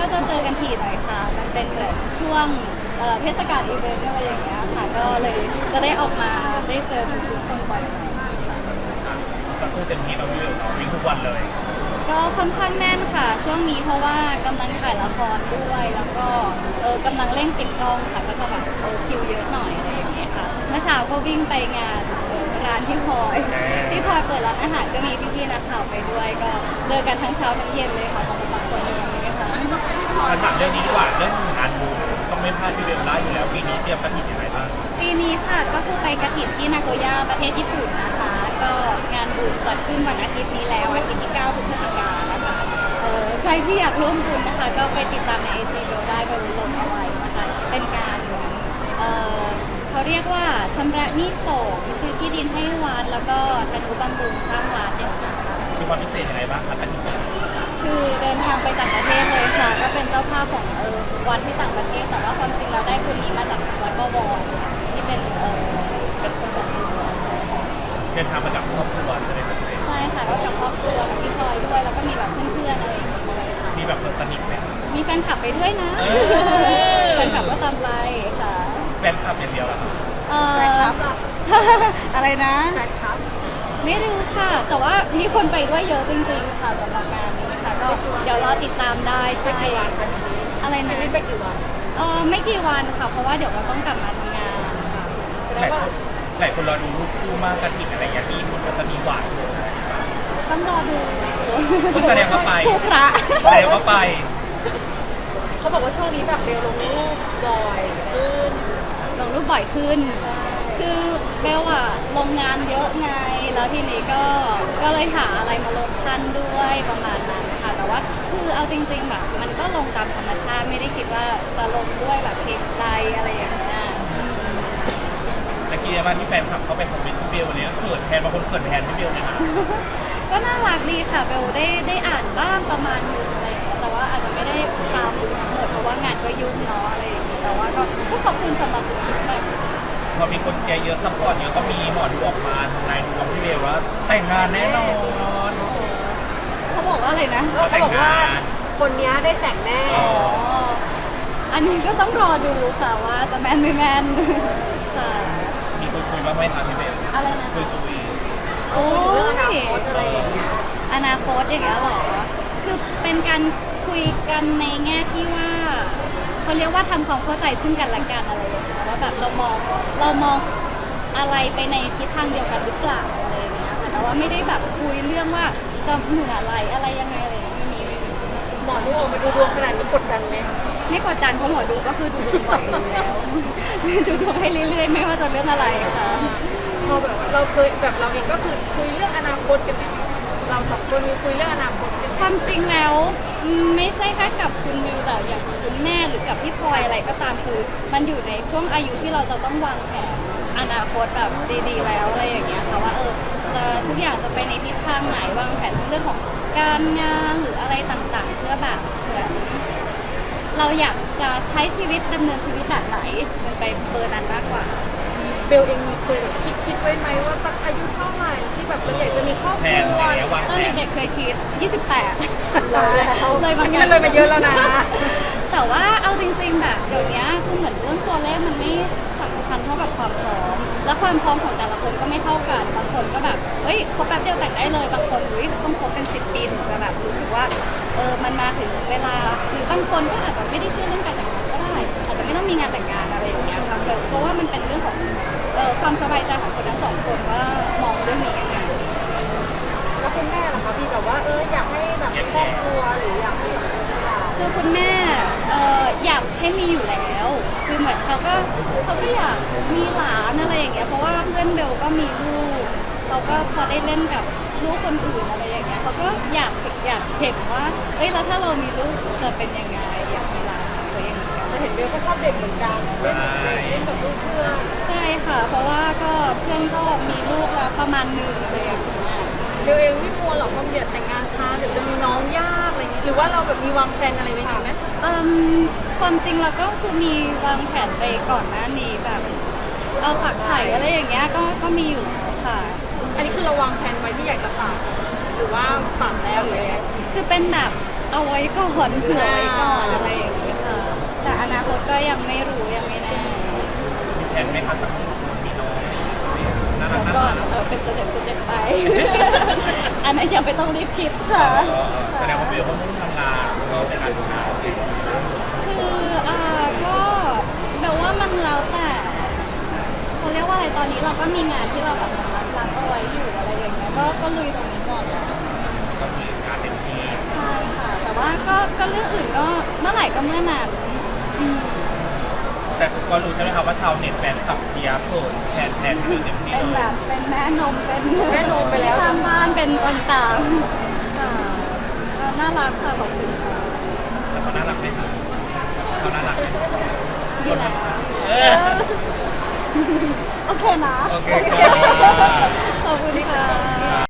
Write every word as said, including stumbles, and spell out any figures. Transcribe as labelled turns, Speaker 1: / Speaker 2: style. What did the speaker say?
Speaker 1: ก็จะเจอกันทีหน่อยค่ะมันเป็นเหมือนช่วงเทศกาลอีเวนต์อะไรอย่างเงี้ยค่ะก็เลยจะได้ออกมาได้เจอทุกคนบ่อยๆ
Speaker 2: ก็คือเต็มที่เราวิ่งทุกวันเลย
Speaker 1: ก็ค่อนข้างแน่นค่ะช่วงนี้เพราะว่ากำลังถ่ายละครด้วยแล้วก็เออกำลังเร่งปิดกล้องค่ะก็จะแบบเออคิวเยอะหน่อยอะไรอย่างเงี้ยค่ะเมื่อเช้าก็วิ่งไปงานร้านที่พลอยที่พลอยเปิดร้านอาหารก็มีพี่ๆนักข่าวไปด้วยก็เจอกันทั้งเช้าทั้งเย็นเลยค่ะสำหรับบางคนอย่างนี้ค่ะ
Speaker 2: มาถามเรื่องนี้ดีกว่าเรื่องงานบุญต้องไม่พลาดพี่เบลล่าอยู่แล้วปีนี้เตรียมกระถิ่นยังไงบ้าง
Speaker 1: ปีนี้ค่ะก็คือไปกระถิ่นที่นาโกย่าประเทศญี่ปุ่นนะคะก็งานบุญจัดขึ้นวันอาทิตย์นี้แล้วอาทิตย์ที่เก้าพฤศจิกายนนะคะเออใครที่อยากร่วมบุญนะคะก็ไปติดตามในไอจีดูได้บนลงเอาไว้นะคะเป็นการเออเขาเรียกว่าชำระหนี้สงฆ์ซื้อที่ดินให้วัดแล้วก็ทนุบำรุงสร้างวัดเนี่ยค่ะ
Speaker 2: มีความพิเศษยังไงบ้างคะกระถิ่น
Speaker 1: คือเดินทางไปต่างประเทศเลยค่ะก็เป็นเจ้าภาพของเออวัดที่ต่างประเทศแต่ว่าความจริงเราได้คนนี้มาจากวัดบวรที่เป็นเออเป็นคนแบบ
Speaker 2: เดินทางมากับครอบครัวใช่ไหมครับ
Speaker 1: ใช่ค่ะก็กับครอบครัวกับพี่พลอยด้วยแล้วก็มีแบบเพื่อนๆอะไรอย่างเงี้ย
Speaker 2: มีแบบคนสนิทไหม
Speaker 1: มีแฟนคลับไปด้วยนะแฟนคลับก็ตามไปค่ะ
Speaker 2: แฟนคลับอย่างเดียวหรอ
Speaker 1: แฟนคลับอะไรนะแฟนคลับไม่รู้ค่ะแต่ว่ามีคนไปด้วยเยอะจริงๆค่ะสำหรับงานนี้ค่ะก็เดี๋ยวรอติดตามได้ใช่อะไรนะ
Speaker 3: ไม่กี่วัน
Speaker 1: เออไม่กี่วันค่ะเพราะว่าเดี๋ยวเราต้องกลับมาทำงานค่ะ
Speaker 2: หลายคนหลายคนรอดูรูปคู่มากกระถิ่นอะไรอย่างนี้คุณก็จะมีหวาน
Speaker 1: ต้องรอดู
Speaker 2: แสดงว่าไป
Speaker 1: ผู้พระ
Speaker 2: แสดงว่าไป
Speaker 3: เขาบอกว่าช่วงนี้แบบเบลลงรูปบ่อยขึ้น
Speaker 1: ลงรูปบ่อยขึ้นคือเบลอะลงงานเยอะไงแล้วทีนี้ก็ก็เลยหาอะไรมาลงทันด้วยประมาณนั้นค่ะแต่ว่าคือเอาจริงๆแบบมันก็ลงตามธรรมชาติไม่ได้คิดว่าจะลงด้วยแบบเพลงใดอะไรอย่างเงี้ย
Speaker 2: ตะกี้ว่าที่แฟนคลับเขาไปคอมเมนต์พี่เบลเนี่ยเกิดแทนบางคนเกิดแทนพี่เบลเนี่ยนะ
Speaker 1: ก็น่ารักดีค่ะเบลได้ได้อ่านบ้างประมาณนึงอะไรแต่ว่าอาจจะไม่ได้ตามดูทั้งหมดเพราะว่างานก็ยุ่งเนาะอะไรอย่างเงี้ยแต่ว่าก็ก็ขอบคุณสำหรับทุกคน
Speaker 2: พอมีคนเชียร์เยอะซัพพอร์ตเยอะก็มีหมอดูออกมาทำนายดูกับพี่เบลว่าแต่งงานแน่นอน
Speaker 1: เขาบอกว่าอะไรนะ
Speaker 3: เขาบอกว่าคนนี้ได้แต่งแน่
Speaker 1: อันนี้ก็ต้องรอดูค่ะว่าจะแม่นไม่แม่นค่ะ
Speaker 2: มีคุยคุยบ้างไหมคะพี่เบล
Speaker 1: อะไรนะ
Speaker 2: คุยคุย
Speaker 1: โอ้
Speaker 3: เรื่องอนาคตอะไรอย่างเงี้ย
Speaker 1: อนาคตอย่างเงี้ยหรอคือเป็นการคุยกันในแง่ที่ว่าเขาเรียกว่าทำความเข้าใจซึ่งกันและกันอะไรอย่างเงี้ยว่าแบบเรามองเรามองอะไรไปในทิศทางเดียวกันหรือเปล่าอะไรอย่างเงี้ยแต่ว่าไม่ได้แบบคุยเรื่องว่าจะเหนืออะไรอะไรยังไงอะไรไม่มี
Speaker 3: หมอดูออกมาดูดวงขนาดนี้กดดันไหม
Speaker 1: ไม่กดดันเพราะหมอดูก็คือดูดวงบ่อยอยู่แล้วดูดวงให้เรื่อยๆไม่ว่าจะเรื่องอะไรค่ะ
Speaker 3: พอแบบเราเคยแบบเราเองก็คือคุยเรื่องอนาคตกันไหมเราสองคนมีคุยเรื่องอนาคตกัน
Speaker 1: ความจริงแล้วไม่ใช่แค่กับคุณมิวแต่อย่างคุณแม่หรือกับพี่พลอยอะไรก็ตามคือมันอยู่ในช่วงอายุที่เราจะต้องวางแผนอนาคตแบบดีๆแล้วอะไรอย่างเงี้ยค่ะว่าเออจะทุกอย่างจะไปในทิศทางไหนวางแผนเรื่องของการงานหรืออะไรต่างๆเพื่อแบบเหมือนเราอยากจะใช้ชีวิตดำเนินชีวิตแบบไหนมันไปเบอร์นั้นมากกว่า
Speaker 3: เบลเองมีเคยแบบคิดคิดไว้ไหมว่าสักอายุเท่าไหร่ที่แบบเราอยากจะมีครอบครัว
Speaker 1: ตอนเด็กๆเคยคิดยี่สิบแปด
Speaker 3: เลยมันเลยมาเยอะแล้วนะ
Speaker 1: แต่ว่าเอาจริงๆแบบเดี๋ยวนี้คือเหมือนเรื่องตัวเลขมันไม่สำคัญเท่ากับความพร้อมและความพร้อมของแต่ละคนก็ไม่เท่ากันบางคนก็แบบเฮ้ยคบแป๊บเดียวแต่งได้เลยบางคนอุ้ยต้องคบเป็นสิบปีถึงจะแบบรู้สึกว่าเออมันมาถึงเวลาหรือบางคนก็อาจจะไม่ได้เชื่อเรื่องการแต่งงานก็ได้อาจจะไม่ต้องมีงานแต่งงานอะไรอย่างเงี้ยค่ะเพราะว่ามันเป็นเรื่องของเออความสบายใจของคนทั้งสองคนว่ามองเรื่องนี้ยังไง
Speaker 3: แล้วคุณแม่ล่ะคะพี่แบบว่าเอออยากให้แบบครอบครัวหรืออยากให้
Speaker 1: คือคุณแม่เอออยากให้มีอยู่แล้วคือเหมือนเขาก็เขาก็อยากมีหลานอะไรอย่างเงี้ยเพราะว่าเพื่อนเบลก็มีลูกเขาก็พอได้เล่นกับลูกคนอื่นอะไรอย่างเงี้ยเขาก็อยากอยากเห็นว่าเอ้ยแล้วถ้าเรามีลูกจะเป็นยังไงอยากมีหลานตัวเอง
Speaker 3: แต่เห็นเบลก็ชอบเด็กเหมือนกันเล่นเล่นกับลูกเพื่อน
Speaker 1: ใช่ค่ะเพราะว่าก็เพื่อนก็มีลูกแล้วประมาณหนึ่งอะไรอย่างเงี้ย
Speaker 3: เบลเองไม่กลัวหรอกความเดือดแต่งงานช้าเดี๋ยวจะมีน้องยากอะไรอย่างนี้หรือว่าเราแบบมีวางแผนอะไรไว้ไหม
Speaker 1: เอ่อความจริงเราก็คือมีวางแผนไปก่อนหน้านี้แบบเอาฝากไข่อะไรอย่างเงี้ยก็ก็มีอยู่ค่ะ
Speaker 3: อันนี้คือเราวางแผนไว้ที่อยากจะฝากหรือว่าฝากแล้วหรืออะไร
Speaker 1: คือเป็นแบบเอาไว้ก่อนเผื่อไว้ก่อนอะไรอย่างเงี้ยค่ะแต่อนาคตก็ยังไม่รู้ยังไม่แน่
Speaker 2: มีแผนไหมคะสักสองคนมีน้องน่ารั
Speaker 1: แล้
Speaker 2: ก
Speaker 1: ว
Speaker 2: น่า
Speaker 1: ก็
Speaker 2: รัก
Speaker 1: เออเป็นสเต็ปสเต็ปไป อันนั้นยังไม่ต้องรีบคิดค่ะ
Speaker 2: แสดงว่าเบลก็มุ่งทำงานเราในการทำงาน
Speaker 1: คืออ่าก็แบบว่ามันแล้วแต่เขาเรียกว่าอะไรตอนนี้เราก็มีงานที่เราแบบรับรับเอาไว้อยู่อะไรอย่างเงี้ยก็ก็ลุยตรงนี้ก่อนแหละ
Speaker 2: ก็มีงานเต็มที่
Speaker 1: ใช่ค่ะ แต่ว่าก็ก็เรื่องอื่นก็เมื่อไหร่ก็เมื่อนั้นอืม
Speaker 2: แต่ก็รู้ใช่ไหมครับว่าชาวเน็ตแฟนคลับเชียร์เขินแทนแทนที่เต็มที่
Speaker 1: เป็น
Speaker 2: เล
Speaker 1: แบ
Speaker 2: ย
Speaker 1: บเป็นแม่นมเป็น
Speaker 3: แม่นมไปแล้ว
Speaker 1: ข้างบ้านเป็นต่างๆค่ะก็น่ารักค่ะขอบคุณค่ะ
Speaker 2: แล้วเขาน่ารักไหมครับเขาน่ารักไหม
Speaker 1: ดีแล้ว
Speaker 2: เออ
Speaker 1: โอเคนะ
Speaker 2: โอเคค่ะ
Speaker 1: ขอบคุณค่ะ